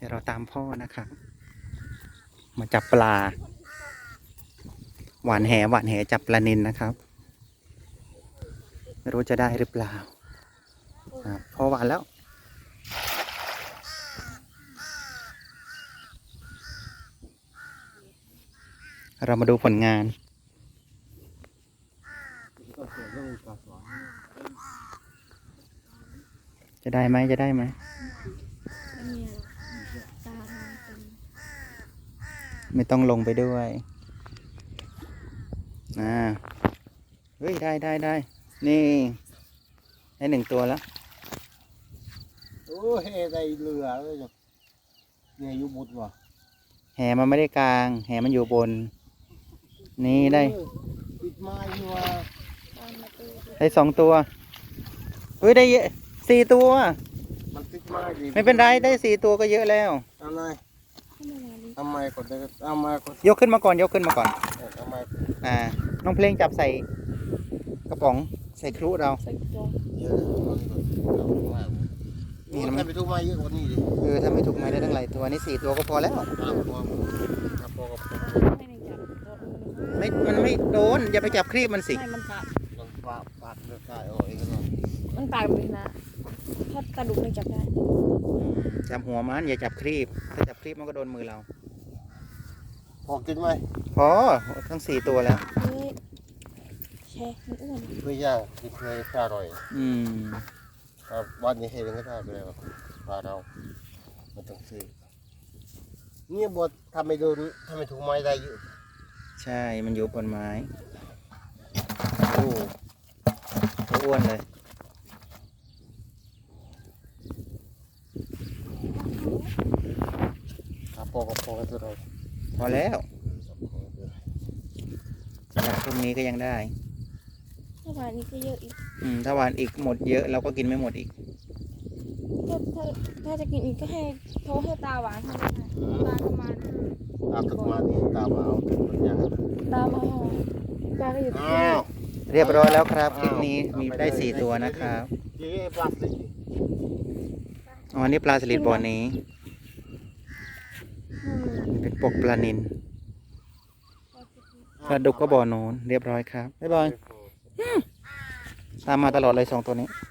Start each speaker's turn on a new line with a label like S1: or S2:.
S1: ดี๋ยวเราตามพ่อนะครับมาจับปลาหวานแหจับปลานิลนะครับไม่รู้จะได้หรือเปล่าพ่อหวานแล้วเรามาดูผลงานจะได้ไหมไม่ต้องลงไปด้วยเฮ้ยได้นี่ได้หนึ่งตัวแล้ว
S2: โอ้เฮได้เรือเลยเนี่ยอยู่บุตรวะ
S1: แหมันไม่ได้กลางแหมันอยู่บนนี่ได้
S2: ปิดไม้อยู่วะ
S1: ได้สองตัวเฮ้ยได้สี่ตัว
S2: มันติดไม้ดิ
S1: ไม่เป็นไรได้สี่ตัวก็เยอะแล้ว
S2: อะไรทำไมกดได้ทำไมกด
S1: ยกขึ้นมาก่อน
S2: ทำไม
S1: น้องเพลงจับใส่กระป๋องใส่ครุเรา
S2: เยอะนี่ถ้าไม่ถูกไม้เยอะกว่านี้ดิ
S1: ถ้าไม่ถูกไม้ได้ทั้งหลายตัวนี่สี่ตัวก็พอแล้วมันไม่โดนอย่าไปจับครีบมันสิ
S3: มัน
S2: ปากเลือดกายออกเองกัน
S3: มันปากเลยนะถ้ากระดูกไม่จับได้
S1: จับหัวมันอย่าจับครีบถ้าจับครีบมันก็โดนมือเรา
S2: พอกินไหม
S1: พอทั้งสี่ตัวแล้ว
S3: แช่มันอ้วน
S2: ไม่ยากกินเลยอร่อยวันนี้เห็นก็ได้ไปเลยปลาเรามันต้องซื้อเนี่ยบดทำไม่โดนทำไม่ถูกไม้ได้เยอะ
S1: ใช่มันอยู่บนไม้โอ้อ้วนเลย
S2: พอตัวเรา
S1: พอแล้วจากพรุ่งนี้ก็ยังได้
S3: ถ้าหวานนี้ก็เยอะอีก
S1: ถ้าหวานอีกหมดเยอะเราก็กินไม่หมดอีก
S3: ถ้าจะกินอีกก็ให้โทรให้ตาหวานให้ตาประมาณ
S2: นี่ตามาเอาเป็นอย่าง
S3: ตามาตาก็อยู่ที่
S1: เรียบร้อยแล้วครับคลิปนี้มีได้สี่ตัวนะครับอันนี้ปลาสลิดบ่อนี้เป็นปกปลานิลปลาดุกก็บ่อโน้นเรียบร้อยครับบ๊ายบายตามมาตลอดเลยสองตัวนี้